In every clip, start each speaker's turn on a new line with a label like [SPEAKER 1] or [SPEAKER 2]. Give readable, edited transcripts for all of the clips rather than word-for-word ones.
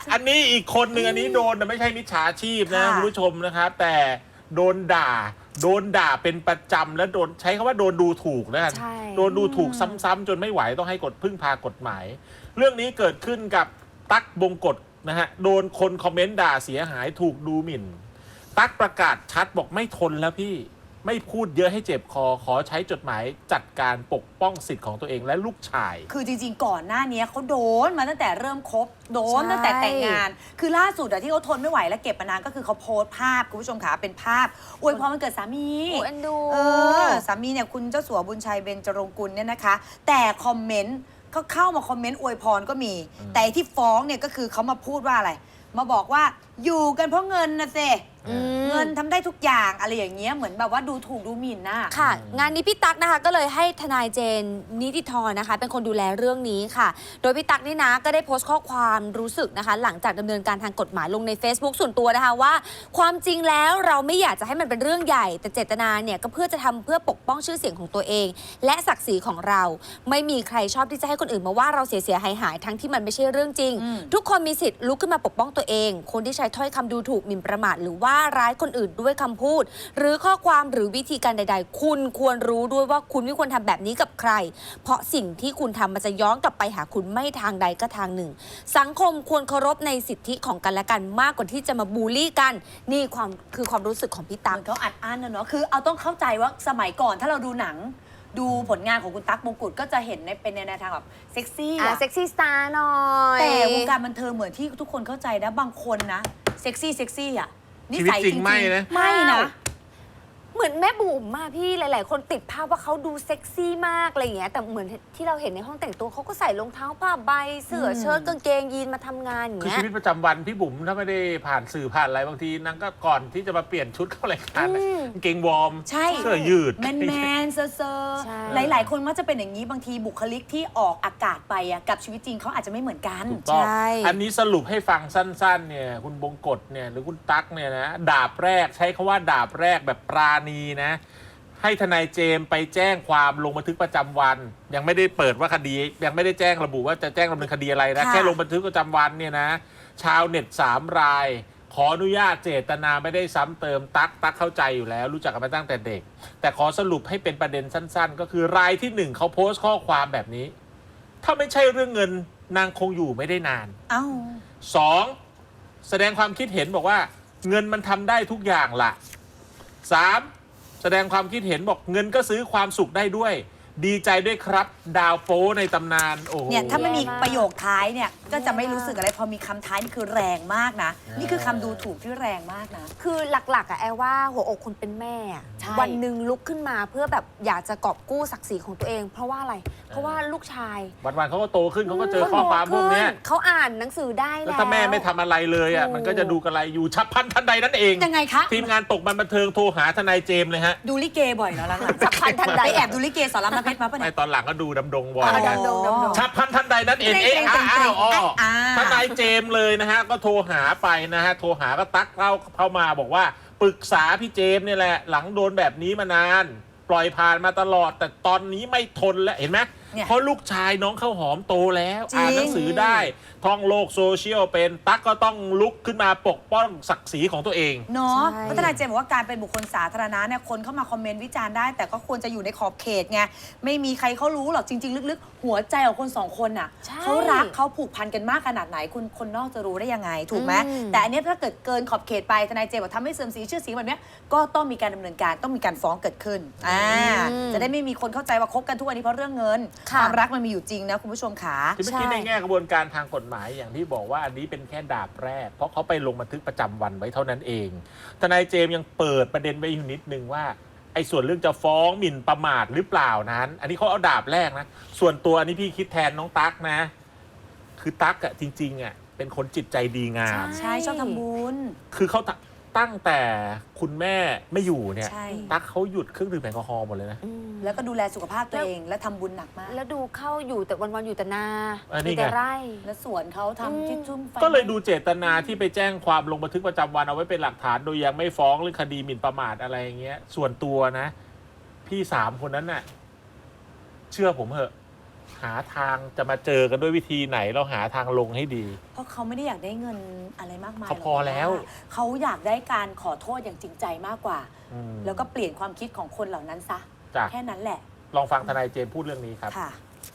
[SPEAKER 1] อันนี้อีกคนหนึ่งอันนี้โดนแต่ไม่ใช่มิจฉาชีพนะคุณผู้ชมนะครับแต่โดนด่าเป็นประจำแล้วโดนใช้คำว่าโดนดูถูกนะโดนดูถูกซ้ำๆจนไม่ไหวต้องให้พึ่งพากฎหมายเรื่องนี้เกิดขึ้นกับตั๊กบงกฎนะฮะโดนคนคอมเมนต์ด่าเสียหายถูกดูหมิ่นตั๊กประกาศชัดบอกไม่ทนแล้วพี่ไม่พูดเยอะให้เจ็บคอขอใช้จดหมายจัดการปกป้องสิทธิ์ของตัวเองและลูกชาย
[SPEAKER 2] คือจริงๆก่อนหน้านี้เขาโดนมาตั้งแต่เริ่มคบโดนตั้งแต่แต่งงานคือล่าสุดที่เขาทนไม่ไหวและเก็บมานานก็คือเขาโพสต์ภาพคุณผู้ชมขาเป็นภาพอวยพรวันเกิดสามี
[SPEAKER 3] เอ็นดู
[SPEAKER 2] สามีเนี่ยคุณเจ้าสัวบุญชัยเบญจรงกุลเนี่ยนะคะแต่คอมเมนต์เขาเข้ามาคอมเมนต์อวยพรก็มีแต่ที่ฟ้องเนี่ยก็คือเขามาพูดว่าอะไรมาบอกว่าอยู่กันเพราะเงินนะเซเงินทำได้ทุกอย่างอะไรอย่างเงี้ยเหมือนแบบว่าดูถูกดูหมิ่นน่ะ
[SPEAKER 3] ค่ะงานนี้พี่ตั๊กนะคะก็เลยให้ทนายเจนนิติธรนะคะเป็นคนดูแลเรื่องนี้ค่ะโดยพี่ตั๊กนี่นะก็ได้โพสต์ข้อความรู้สึกนะคะหลังจากดำเนินการทางกฎหมายลงใน Facebook ส่วนตัวนะคะว่าความจริงแล้วเราไม่อยากจะให้มันเป็นเรื่องใหญ่แต่เจตนาเนี่ยก็เพื่อจะทำเพื่อปกป้องชื่อเสียงของตัวเองและศักดิ์ศรีของเราไม่มีใครชอบที่จะให้คนอื่นมาว่าเราเสียหายทั้งที่มันไม่ใช่เรื่องจริงทุกคนมีสิทธิ์ลุกขึ้นมาปกป้องตัวเองคนที่ใช้ถ้อยคำดูถูกหมิ่นประมาทหรือว่าร้ายคนอื่นด้วยคำพูดหรือข้อความหรือวิธีการใดๆคุณควรรู้ด้วยว่าคุณไม่ควรทำแบบนี้กับใครเพราะสิ่งที่คุณทำมันจะย้อนกลับไปหาคุณไม่ทางใดก็ทางหนึ่งสังคมควรเคารพในสิทธิของกันและกันมากกว่าที่จะมาบูลลี่กันนี่ความรู้สึกของพี่ตั๊ก
[SPEAKER 2] เขาอัดอั้นนะเนาะคือเอาต้องเข้าใจว่าสมัยก่อนถ้าเราดูหนังดูผลงานของคุณตั๊กบงกฎก็จะเห็นเป็นในแนวทางแบบเซ็กซี่
[SPEAKER 3] เซ็กซี่สตาร์หน่อย
[SPEAKER 2] แต่วงการบันเทิงเหมือนที่ทุกคนเข้าใจนะบางคนนะเซ็กซี่อ่ะ
[SPEAKER 1] นิสัยจริงไม่นะ
[SPEAKER 3] เหมือนแม่บุ๋มมาพี่หลายๆคนติดภาพว่าเขาดูเซ็กซี่มากอะไรอย่างเงี้ยแต่เหมือนที่เราเห็นในห้องแต่งตัวเขาก็ใส่รองเท้าผ้าใบเสื้อเชิ้ตกางเกงยีนมาทำงานอย่าง
[SPEAKER 1] เงี้ยคือชีวิตประจำวันพี่บุ๋มถ้าไม่ได้ผ่านสื่อผ่านอะไรบางทีนางก็ก่อนที่จะมาเปลี่ยนชุดเข้ารายการเกงวอร์มเสื้อยืด
[SPEAKER 2] แมนเซอร์หลายๆคนมักจะเป็นอย่างนี้บางทีบุคลิกที่ออกอากาศไปกับชีวิตจริงเขาอาจจะไม่เหมือนกัน
[SPEAKER 1] ถูกต้องอันนี้สรุปให้ฟังสั้นๆเนี่ยคุณบงกฎเนี่ยหรือคุณตั๊กเนี่ยนะดาบแรกใช้คำว่าดาบแรกแบบปราณีนะให้ทนายเจมไปแจ้งความลงบันทึกประจำวันยังไม่ได้เปิดว่าคดียังไม่ได้แจ้งระบุว่าจะแจ้งดำเนินคดีอะไรนะแค่ลงบันทึกประจำวันเนี่ยนะชาวเน็ต3 รายขออนุญาตเจตนาไม่ได้ซ้ำเติมตั๊กเข้าใจอยู่แล้วรู้จักกันมาตั้งแต่เด็กแต่ขอสรุปให้เป็นประเด็นสั้นๆก็คือรายที่1เขาโพสต์ข้อความแบบนี้ถ้าไม่ใช่เรื่องเงินนางคงอยู่ไม่ได้นาน2แสดงความคิดเห็นบอกว่าเงินมันทำได้ทุกอย่างล่ะ3แสดงความคิดเห็นบอกเงินก็ซื้อความสุขได้ด้วยดีใจด้วยครับดาวโป้ในตำนานโอ้โห
[SPEAKER 2] เนี่ยถ้าไม่มีประโยคท้ายเนี่ยก็จะไม่รู้สึกอะไรพอมีคำท้ายนี่คือแรงมากนะนี่คือคำดูถูกที่แรงมากนะ
[SPEAKER 3] คือหลักๆแอลว่าหัวอกคนเป็นแม่วันหนึ่งลุกขึ้นมาเพื่อแบบอยากจะกอบกู้ศักดิ์ศรีของตัวเองเพราะว่าอะไรเพราะว่าลูกชาย
[SPEAKER 1] วันๆเขาก็โตขึ้นเขาก็เจอข้อความพวกนี้
[SPEAKER 3] เขาอ่านหนังสือได้แล้ว
[SPEAKER 1] ถ้าแม่ไม่ทำอะไรเลยมันก็จะดูกันอะไรอยู่ฉับพลันทันใดนั่นเอง
[SPEAKER 2] ยังไงคะ
[SPEAKER 1] ทีมงานตกบันเทิงโทรหาทนายเจมเลยฮะ
[SPEAKER 2] ดูลิเกบ่อยเนาะหลังๆฉับพลันทันใดแอบดูลิเกสอนรามน้ำเพชรมาปะเนี่ย
[SPEAKER 1] ตอนหลังก็ดูดำดงบ่อย
[SPEAKER 2] กัน
[SPEAKER 1] ฉับพลันทันใดนั่นเองทนายเจมเลยนะฮะก็โทรหาไปนะฮะโทรหาก็ตั๊กเข้ามาบอกว่าปรึกษาพี่เจมเนี่ยแหละหลังโดนแบบนี้มานานปล่อยผ่านมาตลอดแต่ตอนนี้ไม่ทนแล้วเห็นไหมเพราะลูกชายน้องข้าวหอมโตแล้วอ่านหนังสือได้ท่องโลกโซเชียลเป็นตั๊กก็ต้องลุกขึ้นมาปกป้องศักดิ์ศรีของตัวเอง
[SPEAKER 2] เนาะพัฒนาเจมบอกว่าการเป็นบุคคลสาธารณะเนี่ยคนเข้ามาคอมเมนต์วิจารณ์ได้แต่ก็ควรจะอยู่ในขอบเขตไงไม่มีใครเขารู้หรอกจริงๆลึกๆหัวใจของคน2 คนน่ะเขารักเขาผูกพันกันมากขนาดไหนคุณคนนอกจะรู้ได้ยังไงถูกไหมแต่อันนี้ถ้าเกิดเกินขอบเขตไปทนายเจมบอกทำให้เสื่อมเสียชื่อเสียงแบบนี้ก็ต้องมีการดำเนินการต้องมีการฟ้องเกิดขึ้นจะได้ไม่มีคนเข้าใจว่าคบกันทุกวันนี้เพราะเรื่องเงินความรักมันมีอยู่จริงนะคุณผู้ชมขา
[SPEAKER 1] ที่เมื่อกี้ในแง่กระบวนการทางกฎหมายอย่างที่บอกว่าอันนี้เป็นแค่ดาบแรกเพราะเขาไปลงบันทึกประจำวันไว้เท่านั้นเองทนายเจมยังเปิดประเด็นไว้อยู่นิดนึงว่าไอ้ส่วนเรื่องจะฟ้องหมิ่นประมาทหรือเปล่านั้นอันนี้เขาเอาดาบแรกนะส่วนตัวอันนี้พี่คิดแทนน้องตั๊กนะคือตั๊กอะจริงๆอะเป็นคนจิตใจดีงาม
[SPEAKER 2] ใช่ชอบทำบุญ
[SPEAKER 1] คือเขาตั้งแต่คุณแม่ไม่อยู่เนี่ยตั๊กเขาหยุดเครื่องดื่มแอลกอฮอล์หมดเลยนะ
[SPEAKER 2] แล้วก็ดูแลสุขภาพตัวเองและทำบุญหนักมาก
[SPEAKER 3] แล้วดูเข้าอยู่แต่วันๆอยู่แต่นาแต่ไร่
[SPEAKER 2] และสวนเขาทำที่ชุ่ม
[SPEAKER 1] ก็เลยดูเจตนาที่ไปแจ้งความลงบันทึกประจำวันเอาไว้เป็นหลักฐานโดยยังไม่ฟ้องเรื่องคดีหมิ่นประมาทอะไรอย่างเงี้ยส่วนตัวนะพี่3 คนนั้นน่ะเชื่อผมเถอะหาทางจะมาเจอกันด้วยวิธีไหนเราหาทางลงให้ดี
[SPEAKER 2] เพราะเขาไม่ได้อยากได้เงินอะไรมากมาย
[SPEAKER 1] เขาพอแล้ว
[SPEAKER 2] หรอกนะเขาอยากได้การขอโทษอย่างจริงใจมากกว่า
[SPEAKER 1] อืม
[SPEAKER 2] แล้วก็เปลี่ยนความคิดของคนเหล่านั้นซะ
[SPEAKER 1] จ้ะ
[SPEAKER 2] แค่นั้นแหละ
[SPEAKER 1] ลองฟังทนายเจมส์พูดเรื่องนี้ครับ
[SPEAKER 2] ค่ะ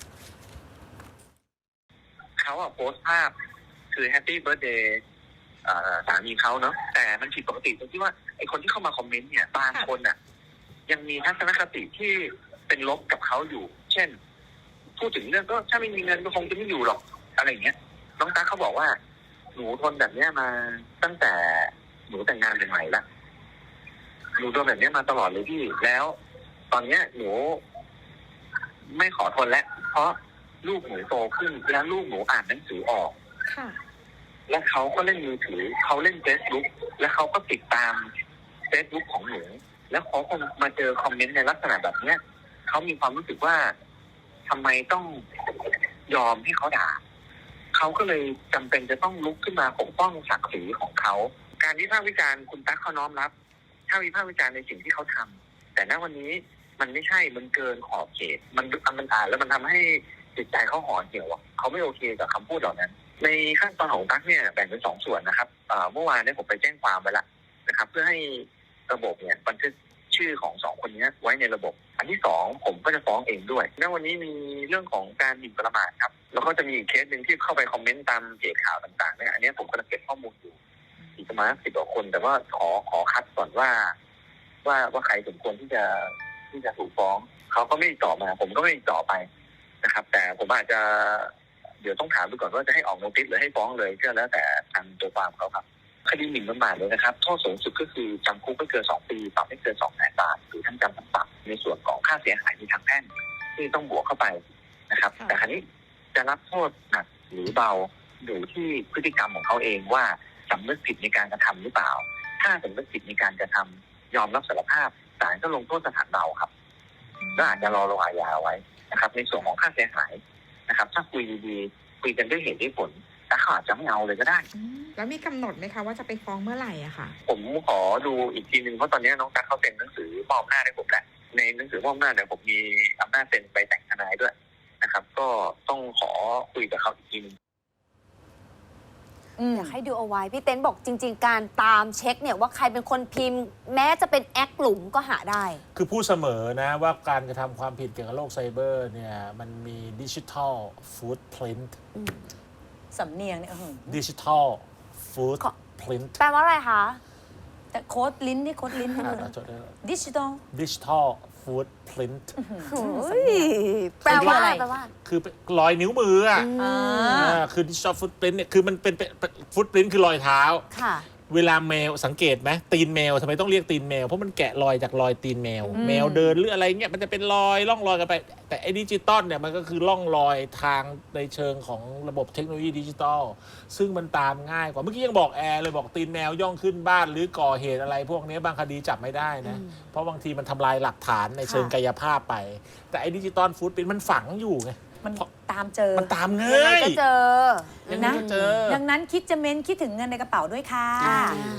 [SPEAKER 4] เขาอะโพสต์ภาพคือแฮปปี้เบิร์ a เดย์สามีเขาเนาะแต่มันผิดปกติตรงที่ว่าไอคนที่เข้ามาคอมเมนต์เนี่ยบางคนอะยังมีทัศนคติที่เป็นลบกับเขาอยู่ เช่น พูดถึงเรื่องก็ถ้าไม่มีเงินก็คงจะไม่อยู่หรอกอะไรอย่างเงี้ยน้องตาเขาบอกว่าหนูทนแบบเนี้ยมาตั้งแต่หนูแต่งงานใหม่ๆละหนูโดนแบบเนี้ยมาตลอดเลยพี่แล้ว ตอนเนี้ยหนูไม่ขอทนแล้วเพราะลูกหนูโตขึ้นแล้วลูกหนูอ่านหนังสือออก
[SPEAKER 5] ค่ะ
[SPEAKER 4] และเขาก็เล่นมือถือเขาเล่น Facebook และเขาก็ติดตาม Facebook ของหนูแล้วเขาคงมาเจอคอมเมนต์ในลักษณะแบบเนี้ยเขามีความรู้สึกว่าทำไมต้องยอมให้เขาด่าเขาก็เลยจำเป็นจะต้องลุกขึ้นมาปกป้องศักดิ์ศรีของเขาการวิพากษ์วิจารณ์คุณตั๊กเขาน้อมรับ ถ้าวิพากษ์วิจารณ์ในสิ่งที่เขาทำแต่ณวันนี้มันไม่ใช่มันเกินขอบเขตมันอ่านแล้วมันทำให้จิตใจเขาห่อเหี่ยวเขาไม่โอเคกับคำพูดเหล่านั้น ในขั้นตอนของตั๊กเนี่ยแบ่งเป็น2 ส่วนนะครับเมื่อวานเนี่ยผมไปแจ้งความไปแล้วนะครับ เพื่อให้ระบบเนี่ยบันทึกชื่อของ2 คนนี้ไว้ในระบบ อันที่2ผมก็จะฟ้องเองด้วยณวันนี้มีเรื่องของการหมิ่นประมาทครับแล้วก็จะมีอีกเคสหนึ่งที่เข้าไปคอมเมนต์ตามเพจข่าวต่างๆเนี่ยอันนี้ผมกำลังเก็บข้อมูลอยู่อีกประมาณ10 กว่าคน แต่ว่าขอคัดก่อนว่าใครสมควรที่จะถูกฟ้องเขาก็ไม่ติดต่อมาผมก็ไม่ติดต่อไปนะครับ แต่ผมอาจจะเดี๋ยวต้องถามดูก่อนว่าจะให้ออกโนติสหรือให้ฟ้องเลยก็แล้วแต่ทางตัวความเขาครับคดีหมิ่นประมาทเลยนะครับโทษสูงสุดก็คือจำคุกไม่เกิน2 ปีปรับไม่เกิน200,000 บาทหรือทั้งจำทั้งปรับในส่วนของค่าเสียหายในทางแพ่งที่ต้องบวกเข้าไปนะครับ
[SPEAKER 5] ค่ะ
[SPEAKER 4] แต่คราวนี้จะรับโทษหนักหรือเบาอยู่ที่พฤติกรรมของเขาเองว่าสำนึกผิดในการกระทำหรือเปล่าถ้าสำนึกผิดในการกระทำยอมรับสารภาพศาลก็ลงโทษสถานเบาครับก็อาจจะรอลงอาญาไว้นะครับในส่วนของค่าเสียหายนะครับถ้าคุยดีๆคุยกันด้วยเหตุด้วยผลแต่เขาอาจจะไม่เอาเลยก็ได้
[SPEAKER 5] แล้วมีกำหนดไหมคะว่าจะไปฟ้องเมื่อไหร่อะค่ะ
[SPEAKER 4] ผมขอดูอีกทีนึงเพราะตอนนี้น้องตั๊กเขาเซ็นหนังสือมอบอำนาจให้ผมแหละในหนังสือมอบอำนาจเนี่ยผมมีอำนาจเซ็นไปแต่งทนายด้วยนะครับ ก็ต้องขอคุยกับเขาอีกทีนึง
[SPEAKER 3] อยากให้ดูเอาไว้ พี่เต้นบอกจริง ๆ การตามเช็คเนี่ยว่าใครเป็นคนพิมพ์ แม้จะเป็นแอคหลุมก็หาได้
[SPEAKER 1] คือพูดเสมอนะว่าการกระทำความผิดเกี่ยวกับโลกไซเบอร์เนี่ยมันมีดิจิทัลฟูดพรินต์
[SPEAKER 2] สำเนียงเนี่ย
[SPEAKER 1] ดิจิทัลฟูด
[SPEAKER 3] ขอ
[SPEAKER 1] พรินต์
[SPEAKER 3] แปลว่าอะไรคะ
[SPEAKER 2] แต่โค้ดลิ้นนี่โค้ดลิ้นนี่เลยดิจิตอล
[SPEAKER 1] ดิจิทัลฟูดพรินต์
[SPEAKER 3] แปลว่า
[SPEAKER 2] อะไร
[SPEAKER 3] แปลว่า
[SPEAKER 1] คือรอยนิ้วมืออ่ะ
[SPEAKER 2] อ่า
[SPEAKER 1] คือดิจิทัลฟูดพรินต์เนี่ยคือมันเป็นฟูดพรินต์คือรอยเท้า
[SPEAKER 3] ค่ะ
[SPEAKER 1] เวลาแมวสังเกตไหมตีนแมวทำไมต้องเรียกตีนแมวเพราะมันแกะรอยจากรอยตีนแมว แมวเดินหรืออะไรเงี้ยมันจะเป็นรอยร่องรอยกันไป แต่ไอ้ดิจิตอลเนี่ยมันก็คือร่องรอยทางในเชิงของระบบเทคโนโลยีดิจิตอลซึ่งมันตามง่ายกว่าเมื่อกี้ยังบอกแอร์เลยบอกตีนแมวย่องขึ้นบ้านหรือก่อเหตุอะไรพวกนี้บางคดีจับไม่ได้นะเพราะบางทีมันทำลายหลักฐานในเชิงกายภาพไป แต่ไอ้ดิจิตอลฟูดปรินท์มันฝังอยู่ไง
[SPEAKER 2] มันตามเจอ
[SPEAKER 1] มันตาม
[SPEAKER 3] ยัง
[SPEAKER 1] ง่า
[SPEAKER 3] ไง
[SPEAKER 1] ย
[SPEAKER 3] ก็เจอ
[SPEAKER 1] ยังไงก็เจอ
[SPEAKER 2] ดังนั้นคิดจะเม้นคิดถึงเงินในกระเป๋าด้วยค่ะ
[SPEAKER 3] อ่า